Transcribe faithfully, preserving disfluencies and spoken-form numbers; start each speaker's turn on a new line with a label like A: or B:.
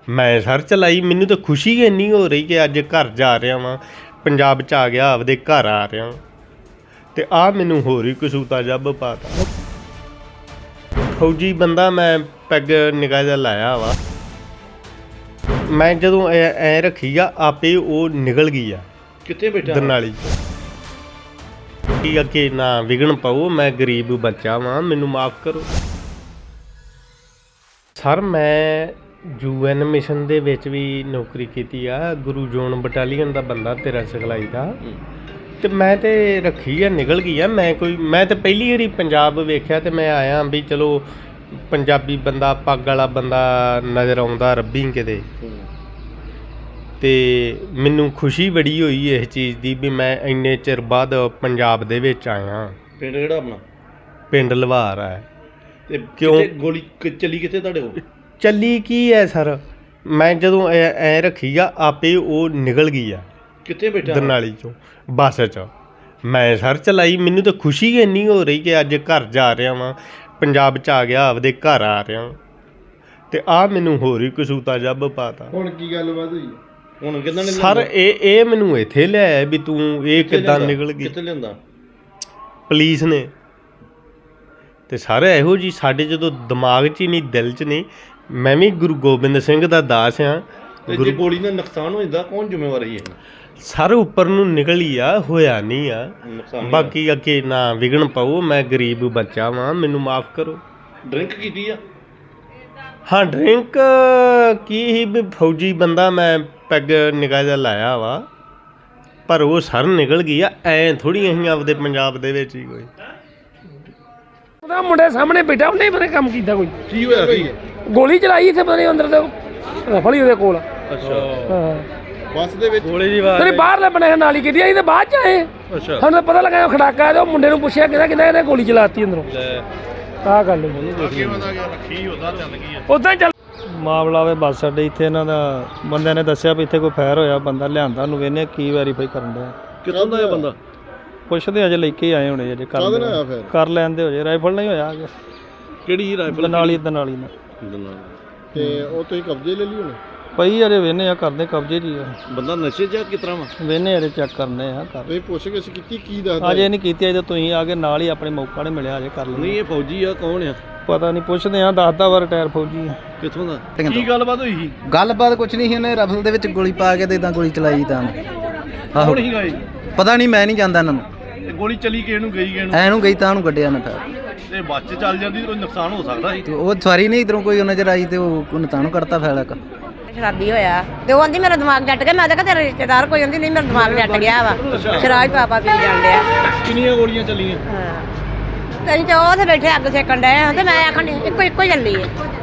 A: ਮੈਂ ਸਰ ਚਲਾਈ। ਮੈਨੂੰ ਤਾਂ ਖੁਸ਼ੀ ਇੰਨੀ ਹੋ ਰਹੀ ਕਿ ਅੱਜ ਘਰ ਜਾ ਰਿਹਾ ਵਾਂ, ਪੰਜਾਬ 'ਚ ਆ ਗਿਆ, ਆਪਦੇ ਘਰ ਆ ਰਿਹਾ ਵਾਂ, ਅਤੇ ਆਹ ਮੈਨੂੰ ਹੋਰ ਹੀ ਕਸੂਤਾ ਜੱਬ ਪਾਤਾ। ਫੌਜੀ ਬੰਦਾ ਮੈਂ ਪੈਗ ਨਿਗਾਹ ਜਿਹਾ ਲਾਇਆ ਵਾ। ਮੈਂ ਜਦੋਂ ਐ ਐਂ ਰੱਖੀ ਆ, ਆਪੇ ਉਹ ਨਿਕਲ ਗਈ ਆ।
B: ਕਿੱਥੇ ਬੈਠਾ
A: ਦਰਨਾਲੀ ਕੀ ਅੱਗੇ ਨਾ ਵਿਗਣ ਪਾਓ, ਮੈਂ ਗਰੀਬ ਬੱਚਾ ਵਾਂ, ਮੈਨੂੰ ਮਾਫ਼ ਕਰੋ ਸਰ। ਮੈਂ ਯੂ ਐਨ ਮਿਸ਼ਨ ਦੇ ਵਿੱਚ ਵੀ ਨੌਕਰੀ ਕੀਤੀ ਆ, ਗੁਰੂ ਜੋਨ ਬਟਾਲੀਅਨ ਦਾ ਬੰਦਾ ਤੇਰਾ ਸਿਖਲਾਈ ਦਾ, ਅਤੇ ਮੈਂ ਤਾਂ ਰੱਖੀ ਆ, ਨਿਕਲ ਗਈ ਆ। ਮੈਂ ਕੋਈ ਮੈਂ ਤਾਂ ਪਹਿਲੀ ਵਾਰੀ ਪੰਜਾਬ ਵੇਖਿਆ ਅਤੇ ਮੈਂ ਆਇਆ ਵੀ ਚਲੋ ਪੰਜਾਬੀ ਬੰਦਾ, ਪੱਗ ਵਾਲਾ ਬੰਦਾ ਨਜ਼ਰ ਆਉਂਦਾ ਰੱਬੀ ਕਿਤੇ, ਅਤੇ ਮੈਨੂੰ ਖੁਸ਼ੀ ਬੜੀ ਹੋਈ ਇਸ ਚੀਜ਼ ਦੀ ਵੀ ਮੈਂ ਇੰਨੇ ਚਿਰ ਬਾਅਦ ਪੰਜਾਬ ਦੇ ਵਿੱਚ ਆਇਆ।
B: ਪਿੰਡ ਕਿਹੜਾ ਆਪਣਾ?
A: ਪਿੰਡ ਲਵਾਰ ਹੈ।
B: ਤੇ
A: ਕਿਉਂ
B: ਗੋਲੀ ਚੱਲੀ ਕਿੱਥੇ ਤੁਹਾਡੇ ਕੋਲ?
A: ਚੱਲੀ ਕੀ ਹੈ ਸਰ, ਮੈਂ ਜਦੋਂ ਐ ਐਂ ਰੱਖੀ ਆ, ਆਪੇ ਉਹ ਨਿਕਲ ਗਈ ਆ।
B: ਕਿੱਥੇ ਬੈਠਾ?
A: ਦਰਨਾਲੀ 'ਚੋਂ ਬੱਸ 'ਚ ਮੈਂ ਸਰ ਚਲਾਈ। ਮੈਨੂੰ ਤਾਂ ਖੁਸ਼ੀ ਇੰਨੀ ਹੋ ਰਹੀ ਕਿ ਅੱਜ ਘਰ ਜਾ ਰਿਹਾ ਵਾਂ, ਪੰਜਾਬ 'ਚ ਆ ਗਿਆ, ਆਪਦੇ ਘਰ ਆ ਰਿਹਾ, ਅਤੇ ਆਹ ਮੈਨੂੰ ਹੋਰ ਹੀ ਕਸੂਤਾ ਜੱਬ ਪਾਤਾ।
B: ਹੁਣ ਕੀ ਗੱਲਬਾਤ ਹੋਈ? ਹੁਣ ਕਿੱਦਾਂ ਨੇ
A: ਸਰ ਇਹ ਇਹ ਮੈਨੂੰ ਇੱਥੇ ਲਿਆਇਆ ਵੀ ਤੂੰ ਇਹ ਕਿੱਦਾਂ ਨਿਕਲ ਗਈ?
B: ਕਿੱਥੇ ਲਿਆਂਦਾ?
A: ਪੁਲਿਸ ਨੇ। ਅਤੇ ਸਰ ਇਹੋ ਜਿਹੀ ਸਾਡੇ ਜਦੋਂ ਦਿਮਾਗ 'ਚ ਹੀ ਨਹੀਂ, ਦਿਲ 'ਚ ਨਹੀਂ। ਮੈਂ ਵੀ ਗੁਰੂ ਗੋਬਿੰਦ ਸਿੰਘ ਦਾ ਦਾਸ ਹਾਂ।
B: ਗੁਰੂ ਗੋਲੀ ਨਾਲ ਨੁਕਸਾਨ ਹੋ ਜਾਂਦਾ, ਕੌਣ ਜ਼ਿੰਮੇਵਾਰ ਹੈ?
A: ਸਰ ਉੱਪਰ ਨੂੰ ਨਿਕਲੀ ਆ, ਹੋਇਆ ਨਹੀਂ ਆ। ਬਾਕੀ ਅੱਗੇ ਨਾ ਵਿਗਣ ਪਾਓ, ਮੈਂ ਗਰੀਬ ਬੱਚਾ ਵਾਂ, ਮੈਨੂੰ ਮਾਫ਼ ਕਰੋ।
B: ਡਰਿੰਕ ਕੀਤੀ ਆ?
A: ਹਾਂ ਡਰਿੰਕ ਕੀ ਸੀ ਵੀ ਫੌਜੀ ਬੰਦਾ ਮੈਂ ਪੈਗ ਨਿਗਾਹ ਜਿਹਾ ਲਾਇਆ ਵਾ, ਪਰ ਉਹ ਸਰ ਨਿਕਲ ਗਈ ਆ। ਐਂ ਥੋੜ੍ਹੀ ਅਸੀਂ ਆਪਦੇ ਪੰਜਾਬ ਦੇ ਵਿੱਚ ਹੀ ਕੋਈ
C: ਉਹਦਾ ਮੁੰਡੇ ਸਾਹਮਣੇ ਬੈਠਾ, ਉਹਨੇ ਪਤਾ ਕੰਮ ਕੀਤਾ ਕੋਈ।
B: ਕੀ ਹੋਇਆ ਸੀ?
C: ਗੋਲੀ ਚਲਾਈ ਇੱਥੇ ਪਤਾ ਨਹੀਂ ਅੰਦਰ ਤੇ ਰਫਲ ਹੀ ਉਹਦੇ ਕੋਲ।
B: ਅੱਛਾ,
C: ਹਾਂ
B: ਬੱਸ ਦੇ ਵਿੱਚ
A: ਗੋਲੀ ਦੀ
C: ਤੇਰੀ ਬਾਹਰਲੇ ਬਣੇ ਨਾਲ ਹੀ ਕੀਤੀ, ਅਸੀਂ ਤਾਂ ਬਾਅਦ ਚ ਆਏ।
B: ਅੱਛਾ,
C: ਸਾਨੂੰ ਤਾਂ ਪਤਾ ਲੱਗਾ ਖੜਾਕਾ ਹੈ, ਤੇ ਉਹ ਮੁੰਡੇ ਨੂੰ ਪੁੱਛਿਆ ਕਿਹਦਾ ਕਿਹਦਾ ਇਹਨੇ ਗੋਲੀ ਚਲਾਤੀ ਅੰਦਰੋਂ। ਆਹ ਗੱਲ ਉਦਾਂ ਚੱਲ
D: ਮਾਮਲਾ ਵੇ ਬੱਸ ਅੱਡੇ ਇੱਥੇ ਇਹਨਾਂ ਦਾ ਬੰਦਿਆਂ ਨੇ ਦੱਸਿਆ ਵੀ ਇੱਥੇ ਕੋਈ ਫਾਇਰ ਹੋਇਆ, ਬੰਦਾ ਲਿਆਂਦਾ, ਉਹਨੂੰ ਵੇਖਦੇ ਕੀ ਵੈਰੀਫਾਈ ਕਰਨ ਡਿਆ।
B: ਕਿੱਥੋਂ ਦਾ ਇਹ ਬੰਦਾ?
D: ਪੁੱਛਦੇ ਅਜੇ ਲੈ ਕੇ ਆਏ ਹੋਣੇ, ਅਜੇ ਕਰ
B: ਫਿਰ
D: ਕਰ ਲੈਂਦੇ ਹੋ ਜੇ। ਰਾਈਫਲ ਨਹੀਂ ਹੋਇਆ ਅਜੇ।
B: ਕਿਹੜੀ ਰਾਈਫਲ?
D: ਦਨਾਲੀ ਦਨਾਲੀ ਨਾਲ।
B: ਤੇ ਉਹ ਤੁਸੀਂ ਕਬਜ਼ੇ ਲੈ ਲਈ ਹੁਣ?
D: ਪਈ ਅਜੇ ਵੇਖਦੇ ਆ, ਕਰਦੇ ਕਬਜ਼ੇ 'ਚ ਹੀ ਆ।
B: ਬੰਦਾ ਨਸ਼ੇ 'ਚ ਕਿਸ ਤਰ੍ਹਾਂ ਵਾ?
D: ਵੇਖਦੇ ਅਜੇ ਚੈੱਕ ਕਰਨੇ ਆ। ਕਰ
B: ਤੁਸੀਂ ਪੁੱਛ ਕੇ ਕੀਤੀ ਕੀ ਦੱਸਦਾ?
D: ਅਜੇ ਨਹੀਂ ਕੀਤੀ, ਅਜੇ ਤੁਸੀਂ ਆ ਕੇ ਨਾਲ ਹੀ ਆਪਣੇ ਮੌਕਾ ਨਹੀਂ ਮਿਲਿਆ, ਅਜੇ ਕਰ ਲਈ।
B: ਨਹੀਂ ਇਹ ਫੌਜੀ ਆ, ਕੌਣ ਆ?
D: ਪਤਾ ਨਹੀਂ, ਪੁੱਛਦੇ ਆ। ਦੱਸਦਾ ਵਾ ਰਿਟਾਇਰ ਫੌਜੀ ਆ।
B: ਕਿੱਥੋਂ ਦਾ? ਕੀ ਗੱਲਬਾਤ ਹੋਈ ਸੀ?
E: ਗੱਲਬਾਤ ਕੁਛ ਨਹੀਂ ਸੀ, ਉਹਨੇ ਰਫਲ ਦੇ ਵਿੱਚ ਗੋਲੀ ਪਾ ਕੇ ਤੇ ਇਦਾਂ ਗੋਲੀ ਚਲਾਈ ਤਾਂ। ਆਹੋ
B: ਕੌਣ ਸੀਗਾ ਇਹ?
E: ਪਤਾ ਨਹੀਂ, ਮੈਂ ਨਹੀਂ ਜਾਣਦਾ ਇਹਨਾਂ ਨੂੰ।
B: ਇਹ ਗੋਲੀ ਚੱਲੀ ਕਿਹਨੂੰ ਗਈ ਕਿਹਨੂੰ?
E: ਐਨੂੰ ਗਈ ਤਾਂ ਉਹਨੂੰ ਕੱਢਿਆ ਨਾ ਫਿਰ।
B: ਤੇ ਬੱਸ 'ਚ ਚੱਲ ਜਾਂਦੀ ਕੋਈ ਨੁਕਸਾਨ ਹੋ ਸਕਦਾ ਸੀ।
E: ਤੇ ਉਹ ਸਵਾਰੀ ਨਹੀਂ ਇਧਰੋਂ ਕੋਈ ਨਜ਼ਰ ਆਈ ਤੇ ਉਹ ਉਹਨੇ ਤਾਂ ਨੂੰ ਕੱਢਤਾ ਫੈਲਾ ਇੱਕ।
F: ਸ਼ਰਾਬੀ ਹੋਇਆ ਤੇ ਉਹ ਆਂਦੀ ਮੇਰਾ ਦਿਮਾਗ ਜੱਟ ਗਿਆ। ਮੈਂ ਤਾਂ ਕਿਹਾ ਤੇਰਾ ਰਿਸ਼ਤੇਦਾਰ ਕੋਈ ਆਂਦੀ ਨਹੀਂ, ਮੇਰਾ ਦਿਮਾਗ ਜੱਟ ਗਿਆ ਵਾ, ਸ਼ਰਾਬ ਪਾਪਾ ਪੀ ਜਾਂਦੇ ਆ।
B: ਕਿੰਨੀਆਂ ਗੋਲੀਆਂ ਚੱਲੀਆਂ?
F: ਹਾਂ ਤੇ ਉਹ ਤੇ ਬੈਠੇ ਅੱਗ ਸੇਕਣ ਡਏ ਆ ਤੇ ਮੈਂ ਆਖਣ ਇੱਕੋ ਇੱਕੋ ਚੱਲੀ ਹੈ।